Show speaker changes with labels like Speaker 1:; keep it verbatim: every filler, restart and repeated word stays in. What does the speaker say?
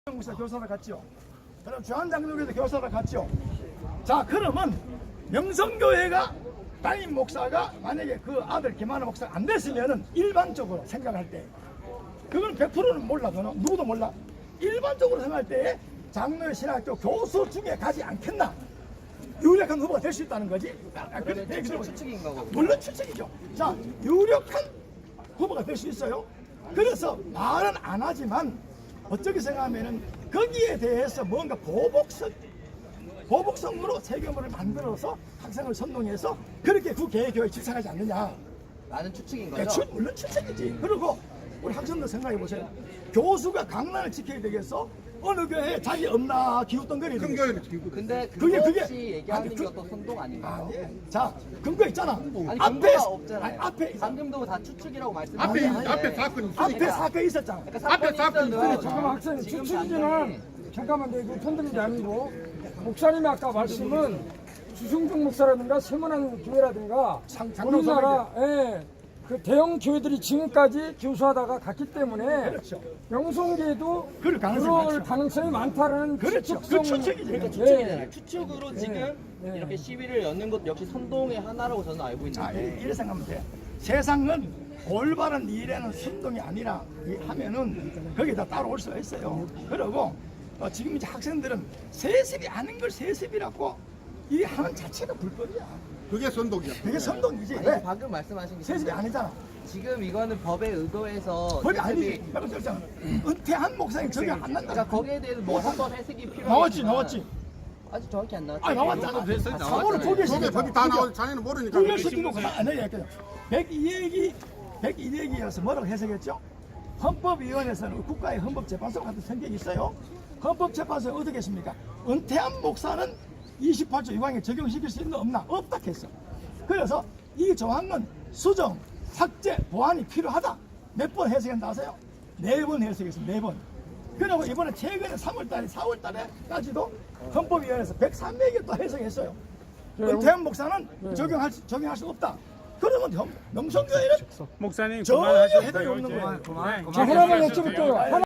Speaker 1: 목사 교사를 갔죠. 그럼 주한장로교도 교사를 갔죠. 자, 그러면 명성교회가 담임 목사가 만약에 그 아들 김하나 목사가 안 됐으면은 일반적으로 생각할 때 그건 백 퍼센트는 몰라. 그는 누구도 몰라. 일반적으로 생각할 때 장로의 신학교 교수 중에 가지 않겠나? 유력한 후보가 될 수 있다는 거지. 아, 그래, 네,
Speaker 2: 추측인 거고.
Speaker 1: 물론 추측이죠. 자, 유력한 후보가 될 수 있어요. 그래서 말은 안 하지만 어떻게 생각하면은 거기에 대해서 뭔가 보복성, 보복성으로 세계물을 만들어서 학생을 선동해서 그렇게 그 개교에 집착하지 않느냐.
Speaker 2: 나는 추측인
Speaker 1: 네,
Speaker 2: 거죠.
Speaker 1: 추, 물론 추측이지. 그리고 우리 학생들 생각해 보세요. 교수가 강란을 지켜야 되겠어? 어느 교회에 자기 없나 기웃덩거리는
Speaker 3: 큰 교회는 지금
Speaker 2: 근데
Speaker 1: 그게-
Speaker 2: 그거
Speaker 1: 그게-
Speaker 2: 없이 얘기하는
Speaker 1: 아니,
Speaker 2: 게
Speaker 1: 그-
Speaker 2: 어떤 선동 아닌가요?
Speaker 1: 아니, 자, 근거 있잖아.
Speaker 2: 아니
Speaker 1: 앞에,
Speaker 2: 근거가 없잖아요.
Speaker 1: 아니, 앞에,
Speaker 2: 방금도 다 추측이라고 말씀하셨는데
Speaker 3: 앞에
Speaker 1: 아니, 아니,
Speaker 3: 앞에 사건이 있으니까.
Speaker 1: 앞에 사건이 있었잖아.
Speaker 2: 그러니까
Speaker 3: 앞에 사건이
Speaker 2: 있어도
Speaker 3: 있어요.
Speaker 4: 잠깐만 학생
Speaker 2: 지금
Speaker 4: 추측이지만
Speaker 2: 당장에
Speaker 4: 잠깐만 내가 편드는 게 아니고 목사님이 아까 말씀은 주승중 목사라든가 세문안 교회라든가
Speaker 1: 장- 장로
Speaker 4: 우리나라 그 대형 교회들이 지금까지 교수하다가 갔기 때문에
Speaker 1: 그렇죠.
Speaker 4: 명성계도
Speaker 1: 그럴 가능성이
Speaker 4: 그럴
Speaker 1: 많죠.
Speaker 4: 가능성이 많다는
Speaker 1: 그렇죠. 그
Speaker 4: 추측성-
Speaker 1: 추측이지.
Speaker 2: 그러니까
Speaker 1: 네.
Speaker 2: 추측이잖아요. 추측으로 지금
Speaker 4: 네.
Speaker 2: 이렇게 시위를 여는 것 역시 선동의 하나라고 저는 알고
Speaker 1: 자,
Speaker 2: 있는데
Speaker 1: 이래 생각하면 돼. 세상은 올바른 일에는 선동이 아니라 이 하면은 거기다 따라올 수가 있어요. 그리고 어, 지금 이제 학생들은 세습이 아닌 걸 세습이라고 이 하는 자체가 불법이야.
Speaker 3: 그게 선동이야.
Speaker 1: 그게 선동이지.
Speaker 2: 아니,
Speaker 1: 왜?
Speaker 2: 방금 말씀하신 게
Speaker 1: 세습이 아니잖아.
Speaker 2: 지금 이거는 법에 의거해서
Speaker 1: 법이
Speaker 2: 세습이-
Speaker 1: 아니지. 내가 그랬잖아. 은퇴한 목사님 적용 안 난다.
Speaker 2: 그러니까 거기에 대해서 뭐 한번 해석이 필요하지만
Speaker 1: 나왔지, 나왔지.
Speaker 2: 아직 정확히 안 나왔죠.
Speaker 1: 아, 나왔잖아. 사고를
Speaker 2: 나왔잖아요.
Speaker 1: 포기했으니까.
Speaker 3: 법에 법이 다 나오지 자네는 모르니까.
Speaker 1: 불결시키고 안 해야 겠죠. 백이 얘기, 백이 얘기여서 뭐라고 해석했죠? 헌법위원회에서는 국가의 헌법재판소 같은 성격이 있어요. 헌법재판소는 어떻게 했습니까? 은퇴한 목사는 이십팔 조 유강에 적용시킬 수 있는 없나? 없다 했어. 그래서 이 조항은 수정, 삭제, 보완이 필요하다. 몇 번 해석했나 아세요? 네 번 해석했습니다. 네 번. 그리고 이번에 최근에 삼월 달에, 사월 달에까지도 헌법위원회에서 백삼 개 또 해석했어요. 은퇴한 목사는 적용할, 수- 적용할 수 없다. 그러면 형- 명성교회는
Speaker 5: 목사님
Speaker 1: 전혀
Speaker 5: 그만하셔도
Speaker 1: 해당이
Speaker 5: 돼요.
Speaker 1: 없는
Speaker 5: 이제.
Speaker 1: 거야.
Speaker 5: 네,
Speaker 4: 자, 하나만
Speaker 5: 그만하셔도 돼요.
Speaker 4: 여쭤볼게요. 하나-